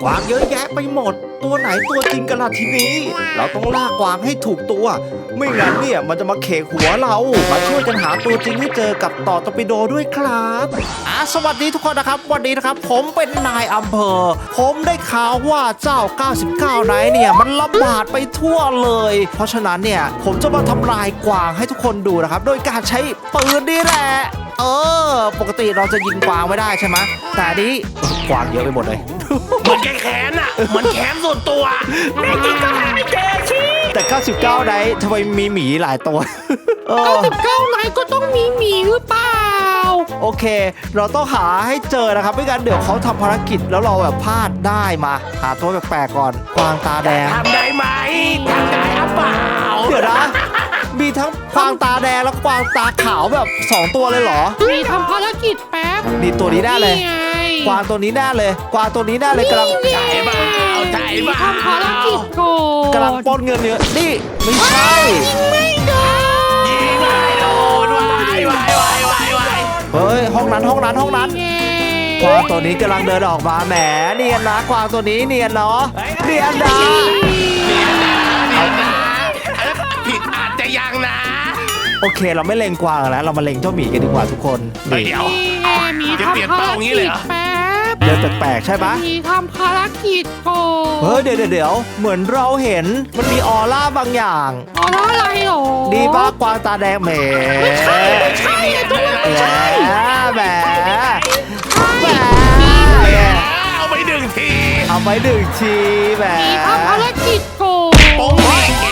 กวางเยอะแยะไปหมดตัวไหนตัวจริงกันล่ะทีนี้เราต้องล่ากวางให้ถูกตัวไม่งั้นเนี่ยมันจะมาเขกหัวเรามาช่วยกันหาตัวจริงให้เจอกับต่อตอร์ปิโดด้วยครับสวัสดีทุกคนนะครับวันนี้นะครับผมเป็นนายอำเภอผมได้ข่าวว่าเจ้า99ไนท์เนี่ยมันระบาดไปทั่วเลยเพราะฉะนั้นเนี่ยผมจะมาทำลายกวางให้ทุกคนดูนะครับโดยการใช้ปืนนี่แหละปกติเราจะยิงกวางไม่ได้ใช่ไหมแต่นี้กวางเยอะไปหมดเลยเหมือนแขนอ่ะเหมือนแขนส่วนตัวแม่จริงก็หาไม่เจอชี้แต่99ไนท์ทำไมมีหมีหลายตัว 99ไนท์ก็ต้องมีหมีหรือเปล่าโอเคเราต้องหาให้เจอนะครับไม่งั้นเดี๋ยวเขาทำภารกิจแล้วเราแบบพลาดได้มาหาตัวแปลกๆก่อนกวางตาแดงทำได้ไหมทำได้หรือเปล่าเดี๋ยวนะมีทั้งกวางตาแดงแล้วกวางตาขาวแบบ2ตัวเลยเหรอมีทำภารกิจแป๊บนี่ตัวนี้แน่เลยกวางตัวนี้แน่เลยกวางตัวนี้แน่เลยกำลังใช่เปล่าใช่เปล่าทำภารกิจโกกำลังปล้นเงินเนื้อนี่ไม่ใช่ไม่โดนยิงไม่โดนวายเฮ้ยห้องนั้นกวางตัวนี้กำลังเดินออกมาแหมเนียนนะกวางตัวนี้เนียนเนาะเนียนนะผิดอาจจะยังนะโอเคเราไม่เล็งกวางแล้วเรามาเล็งเจ้าหมีกันดีกว่าทุกคนเดี๋ยวจะเปลี่ยนเป้าอย่างนี้เลยเหรอเดินแปลกๆใช่ปะมีทำภารกิจโกเดี๋ยวเหมือนเราเห็นมันมีออร่าบางอย่างออร่าอะไรหรอดีป้ากวางตาแดงแหมไม่ใช่แหมเอาไป1 ทีแหมทำภารกิจโกป๋ง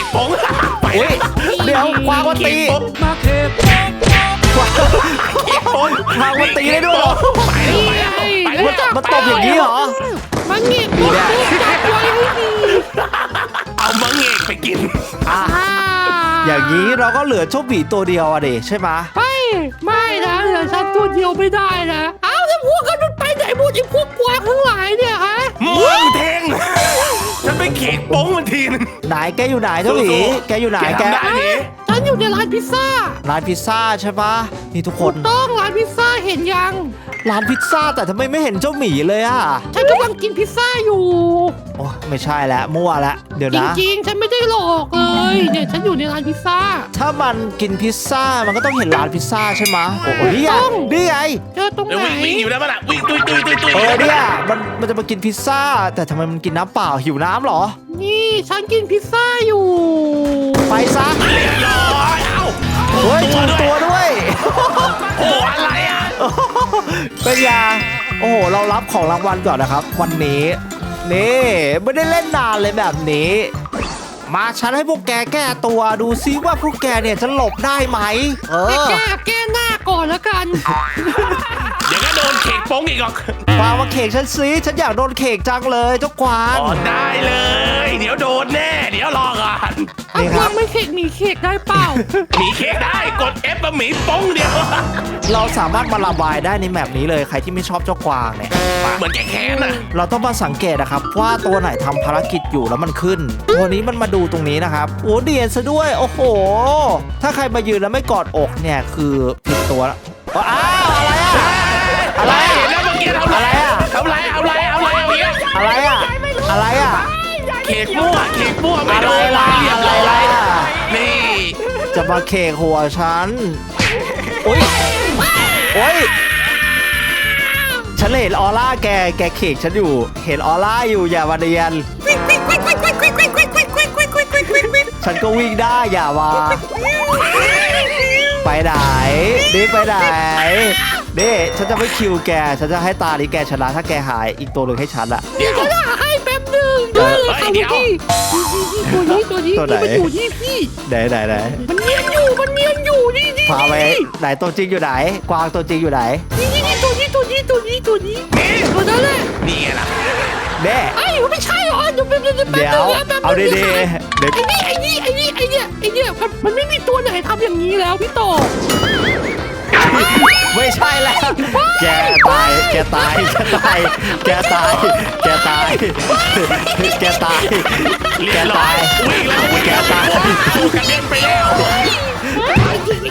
เดี๋ยวกวางวันตีมาเทปกวางวันตีได้ด้วยเหรอมันตบอย่างนี้เหรอมังเงกจับไว้ให้ดีเอามังเงกไปกินอย่างนี้เราก็เหลือเจ้าหมีตัวเดียวอะดิใช่ไหมไม่นะเหลือฉันตัวเดียวไม่ได้นะเอาแล้วพวกกันไปไหนหมดไอ้พวกกวางทั้งหลายเนี่ยฮะมึงเท่งฉันไปเขกโป้งมันทีนึงไหนแกอยู่ไหนเจ้าหมีแกอยู่ไหนแกฉันอยู่ในร้านพิซซ่าใช่ปะนี่ทุกคนต้องร้านพิซซ่าเห็นยังร้านพิซซ่าแต่ทำไมไม่เห็นเจ้าหมีเลยอะฉันกำลังกินพิซซ่าอยู่โอ้ไม่ใช่แล้วมั่วแล้วเดี๋ยวนะจริงๆฉันไม่ได้หลอกเลยเนี่ยฉันอยู่ในร้านพิซซ่าถ้ามันกินพิซซ่ามันก็ต้องเห็นร้านพิซซ่าใช่ไหมโอ้โหนี่ไงเจอตรงไหนวิ่งอยู่แล้วมันอะวิ่งตุยเนี่ยมันจะมากินพิซซ่าแต่ทำไมมันกินน้ำเปล่าหิวน้ำหรอนี่ฉันกินพิซซ่าอยู่ไปซะเรียบร้อยเฮ้ยชูตัวด้วยโอ้อะไรอ่ะเป็นยาโอ้โหเรารับของรางวัลก่อนนะครับวันนี้นี่ไม่ได้เล่นนานเลยแบบนี้มาฉันให้พวกแกแก้ตัวดูซิว่าพวกแกเนี่ยจะหลบได้ไหมแก้หน้าก่อนแล้วกันเดี๋ยวก็โดนเขกโป้งอีกหรอกกวางมาเขกฉันซิฉันอยากโดนเขกจังเลยเจ้ากวางได้เลยเดี๋ยวโดนแน่เดี๋ยวรอก่อนนี่ครับไม่เขกหมีเขกได้เปล่าหมีเขกได้กด F มาหมีโป้งเดียวเราสามารถมาระบายได้ในแมปนี้เลยใครที่ไม่ชอบเจ้ากวางเนี่ยเหมือนแขนนะเราต้องมาสังเกตนะครับว่าตัวไหนทำภารกิจอยู่แล้วมันขึ้นตัวนี้มันมาดูตรงนี้นะครับโอ้เดียนซะด้วยโอ้โหถ้าใครมายืนแล้วไม่กอดอกเนี่ยคือผิดตัวแล้วอ้าวอะไรแล้วเมื่อกี้ทำอะไรอะไรเขกมั่วไม่โดนอะไรนี่จะมาเขกหัวฉันโอ้ยฉันเห็นออร่าแกเขกฉันอยู่เห็นออร่าอยู่อย่ามาเดียนฉันก็วิ่งได้อย่ามาไปไหนนี่ไปไหนนี่ฉันจะไม่คิวแกฉันจะให้ตาลีแกชนะถ้าแกหายอีกตัวหนึ่งให้ฉันละเดี๋ยวจะให้แป๊บนึงเดี๋ยวตัวนี้มันอยู่ที่พี่ไหนมันเนียนอยู่นี่พาไปไหนตัวจริงอยู่ไหนกวางตัวจริงอยู่ไหนนี่ตัวนี้ตัวนั้นแหละนี่ไงล่ะเด้ไม่ใช่หรอเดี๋ยวเอาดีไอ้นี่มันไม่มีตัวไหนทำอย่างนี้แล้วพี่โตไม่ใช่แล้วแกตายวิ่งแล้วแกตายกระเด็นไปแล้ว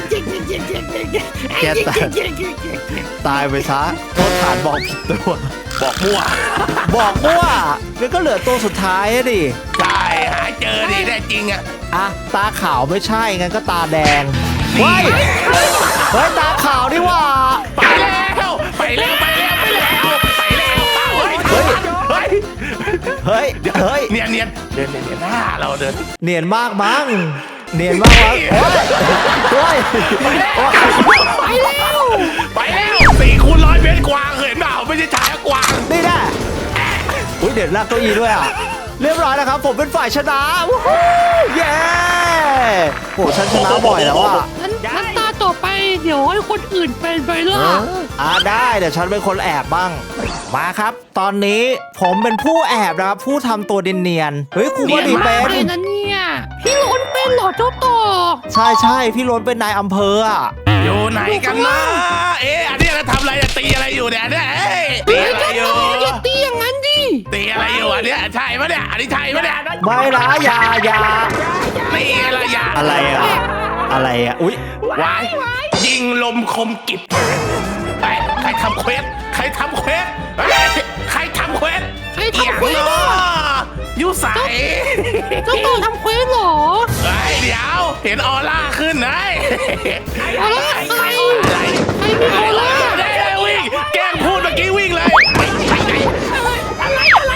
แกตายไปซะโทษฐานบอกผิดตัวบอกมั่วบอกว่างั้นก็เหลือตัวสุดท้ายอะดิใช่หาเจอดิแน่จริงอ่ะอ่ะตาขาวไม่ใช่งั้นก็ตาแดงนี่เฮ้ยตาขาวนี่หว่าไปแล้วไปแล้วไปแล้วไปแล้วไปแล้วเฮ้ยเฮ้ยเฮ้ยเนียนเนียนเดินเนียนหน้าเราเดินเนียนมากมั้งเนียนมากมั้งโอ้ยไปแล้ว4x100 เมตรกวางเห็นเปล่าไม่ใช่ชายกวางนี่แน่อุ้ยเดี๋ยวลากเก้าอี้ด้วยอ่ะเรียบร้อยแล้วครับผมเป็นฝ่ายชนะวู้ฮู้เย้โหฉันชนะบ่อยแล้วอ่ะงั้นตาต่อไปเดี๋ยวให้คนอื่นเป็นไปเลยได้เดี๋ยวฉันเป็นคนแอบบ้างมาครับ ตอนนี้ผมเป็นผู้แอบนะครับผู้ทำตัวเนียนๆเฮ้ยครูบอดีเป็นเลยนะเนี่ยพี่ล้นเป็นเหรอเจ้าต่อใช่พี่รถเป็นนายอำเภออ่ะอยู่ไหนกันนะเอ๊ะอันนี้เราทำอะไรตีอะไรอยู่เนี่ยเอ๊ะตีอะไรอยู่อย่าตีอย่างนั้นดิตีอะไรอยู่อันเนี้ยใช่ปะเนี่ยอันนี้ใช่ปะเนี่ยไม่นะอย่านี่อะไรอย่าอะไรอ่ะอุ้ยวายยิงลมคมกิบใครทำเควสใครทำเควสใครทำเควสใครทำเควสเนาะยูใสเจ้าต่อทำเควสเหรอเดี๋ยวเห็นออร่าขึ้นนะออร่าใครมีออร่าได้วิ่งแกล้งพูดเมื่อกี้วิ่งเลยอะไรออร่า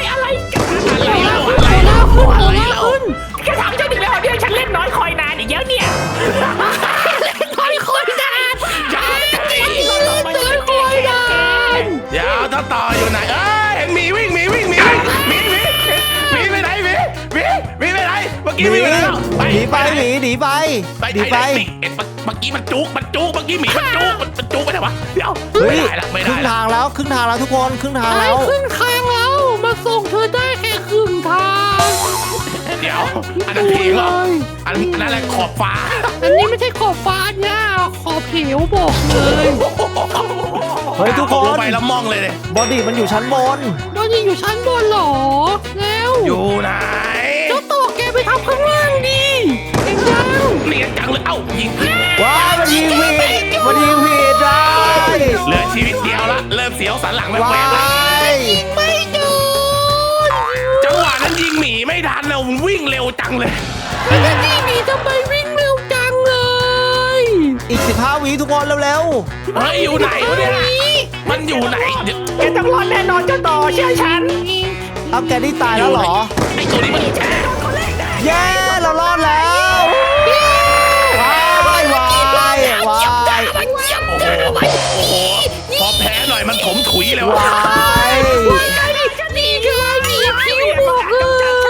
ขึ้นแค่ถามเจ้าดิแล้วเนี่ยฉันเล่นน้อยคอยนานอีกแล้วเนี่ยคอยนานเดินคอยนานเดี๋ยวถ้าต่ออยู่ไหนเห็นหมีวิ่งหมีไปไหนหมีไปไหนเมื่อกี้วิ่งไปแล้วหนีไปเมื่อกี้มันจุกเมื่อกี้หมีมันจุกไปไหนวะเดี๋ยวเฮ้ยไม่ครึ่ได้งทางแล้วทุกคนครึ่งทางอะไรแล้วครึ่งทางแล้ว มาส่งเธอได้แค่ครึ่งทางเดี๋ยวอันนั้นเพลงเหรออันนั้นอะไรขอบฟ้าอันนี้ไม่ใช่ขอบฟ้าเนี่ยขอบเหวบอกเลยเฮ้ยทุกคลงนไปแล้วมองเลยเนี่ยบอดี้มันอยู่ชั้นบนตอนนี้อยู่ชั้นบนเหรอ แล้วอยู่ไหนเจ้าตัวแกไปทำข้างล่างดิเองยังเนียนจังเลยยิงว้ามันยิงผิดได้เหลือชีวิตเดียวละเริ่มเสียวสันหลังแวว้าบๆละยไม่โดนจังหวะนั้นยิงหมีไม่ทันเราวิ่งเร็วจังเลยแล้วนี่หนีทำไมวิ่งเร็วจังเลยอีก15วิทุกคนเร็วเฮ้ยอยู่ไหนวะเนี่ยมันอยู่ไหนเดี๋ยวแกต้องรอดแน่นอนเจ้าต่อเชื่อฉันๆเอาแกนี่ตายแล้วเหรอไอตัวนี้มันเย้เรารอดแล้วว้ายโอ้โหพอแพ้หน่อยมันถมถุยเลยวะว้ายนี่ไงมีผิวบอกเลย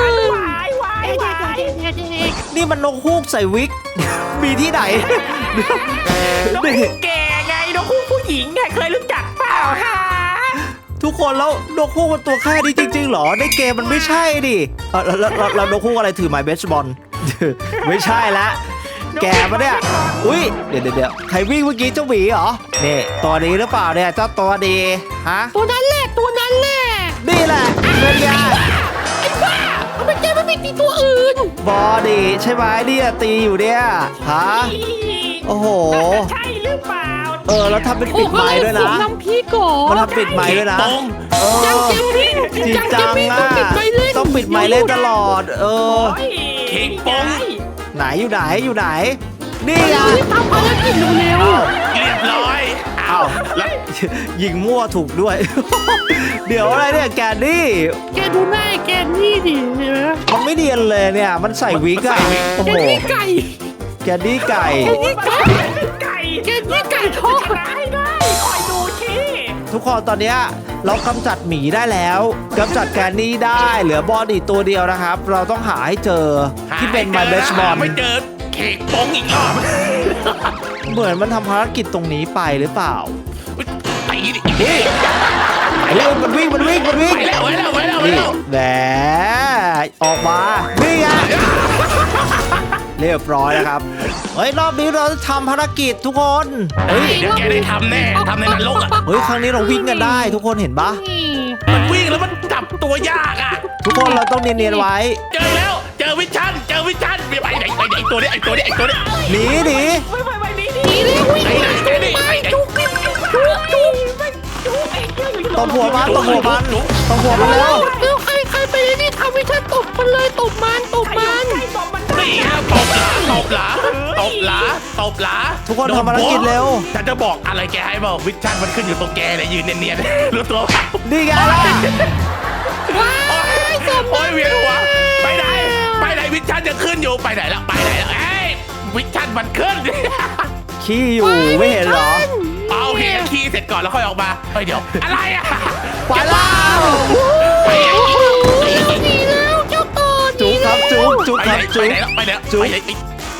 นี่มันนกฮูกใส่วิก มีที่ไหนนกคู่แก่ไงนกคู่ผู้หญิงไงเคยรู้จักเปล่าฮะทุกคนแล้วนกฮูกมันตัวแค่นี้จริงๆเหรอในเกมมันไม่ใช่ดิแล้วนกฮูกอะไรถือไม้เบสบอล ไม่ใช่ละแกมาเนี่ยอุ้ยเดี๋ยวใครวิ่งเมื่อกี้เจ้าหมีเหรอนี่ตัวนี้หรือเปล่าเนี่ยเจ้าตัวดีฮะตัวนั้นแหละนี่แหละเป็นไงทำไมแกไม่ไปตีตัวอื่นบอดี้ใช่ไหมเนี่ยตีอยู่เนี่ยฮะโอ้โหใช่หรือเปล่าแล้วทำเป็นปิดไม้ด้วยนะน้ำพี่ก่อนมันทำปิดไม้ด้วยนะตรงจังเจมวิ่งจริงจังต้องปิดไม้เล่นต้องปิดไม้เล่นตลอดเค้กปงไหนอยู่ไหนนี่ไงรีบทำภารกิจเร็วเรียบร้อยอ้าวแล้วยิงมั่วถูกด้วย เดี๋ยวอะไรเนี่ยแกนี่ๆแกดูหน้าแกนี่ดิเห็นไหมมันไม่เนียนเลยเนี่ย มันใส่วิกอะโอ้แกโหนี่ไก่แกนี่ไก่แกนี่ไก่ไก่แกนี่ไก่ทอดชนะให้ได้คอยดูทีทุกคนตอนเนี้ยเรากำจัดหมีได้แล้วกำจัดแกนนี่ได้เหลือบอดี้ตัวเดียวนะครับ เราต้องหาให้เจอที่เป็นไมเบสบอลไม่เจอเค้กปงอีกรอบเหมือนมันทำภารกิจตรงนี้ไปหรือเปล่าตีดิเฮ้ยมันวิ่งไปแล้วนี่แหมออกมานี่ไงเรียบร้อยแล้วครับเฮ้ยรอบนี้เราทำภารกิจทุกคนเฮ้ยเดี๋ยวแกได้ทำแน่ทำในนรกอ่ะเฮ้ยครั้งนี้เราวิ่งกันได้ทุกคนเห็นปะนี่มันวิ่งแล้วมันจับตัวยากอ่ะทุกคนเราต้องเนียนๆไว้เจอแล้วเจอวิชั่นไปไหนไอตัวนี้หนีไม่นี่นี่เร็ววิ่งไปไหนจุกไอ้เจ้าอยู่ตบหัวมันแล้วเร็วใครไปนี่ทำให้ฉันตบมันเลยตบมันนี่ฮะตบหลาทุกคนทำภารกิจเร็วฉันจะบอกอะไรแกให้บอกวิชั่นมันขึ้นอยู่ตรงแกเลยยืนเนียนๆรู้ตัวเปล่านี่ไงล่ะว้ายตบโอ้ยเวียนหัวไปไหนวิชั่นจะขึ้นอยู่ไปไหนแล้วเอ้ยวิชั่นมันขึ้นขี้อยู่ไม่เห็นเหรอเอาโอเคคีย์เสร็จก่อนแล้วค่อยออกมาเฮ้ยเดี๋ยวอะไรอ่ะไปแล้วหนีแล้วเจ้าต่อจุ๊บครับจุ๊บครับจุ๊บไปไหนจุ๊เอาดิ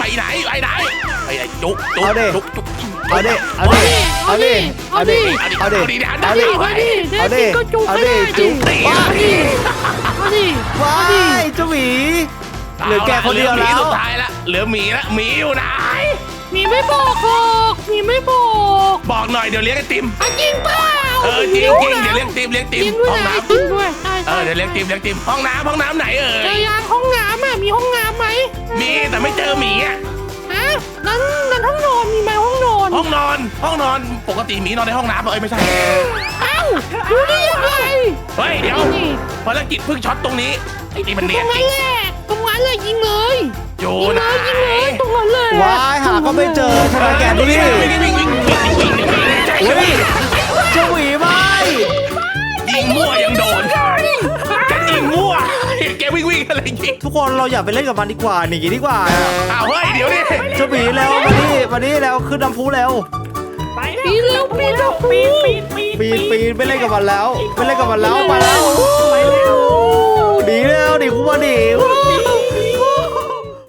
ก็จุกไม่ได้ดิเอาดิว้ายเจ้าหมีเหลือแกคนเดียวแล้วสุดท้ายละเหลือหมีละหมีอยู่ไหนมีไม่บอกหรอกมีไม่บอกบอกหน่อยเดี๋ยวเลี้ยงไอติมจริงเปล่าจริงเดี๋ยวเลี้ยงติมจริงด้ห้วอย งน้จริงด้วยใช่ำเดี๋ยวเลี้ยงติมห้องน้ำไหนเอ่เจยอยางห้องน้ำมีห้องน้ำไหมมีแต่ไม่เจอหมีอ่ะฮะนั้นห้องนอนมีไหมห้องนอนห้องนอนปกติหมีนอนในห้องน้ำไม่ใช่เอ้ารู้ได้ยังไงเฮ้ยเดี๋ยวภารกิจเพิ่งช็อตตรงนี้ไอ้นี่มันตรเนียนงจนั้รินงแหละตรงนั้นเลยยิงเลยอยู่ไหนตรงนั้นเลยว้ายหาก็ไม่เจอทำไมแกนี่วิ่งอุ้ยเจ้าหมีไม่ยิงมั่วยังโดนกันยิงมั่วแกวิ่งอะไรยิงทุกคนเราอย่าไปเล่นกับมันดีกว่าหนีดีกว่าอ้าวเฮ้ยเดี๋ยวดิเจ้าหมีแล้วมานี่แล้วขึ้นน้ำพุแล้วปีเร็วปีเร็วปีปีนไม่เล่นกับมันแล้วไปแล้วไปแล้วหนีคุมาหนี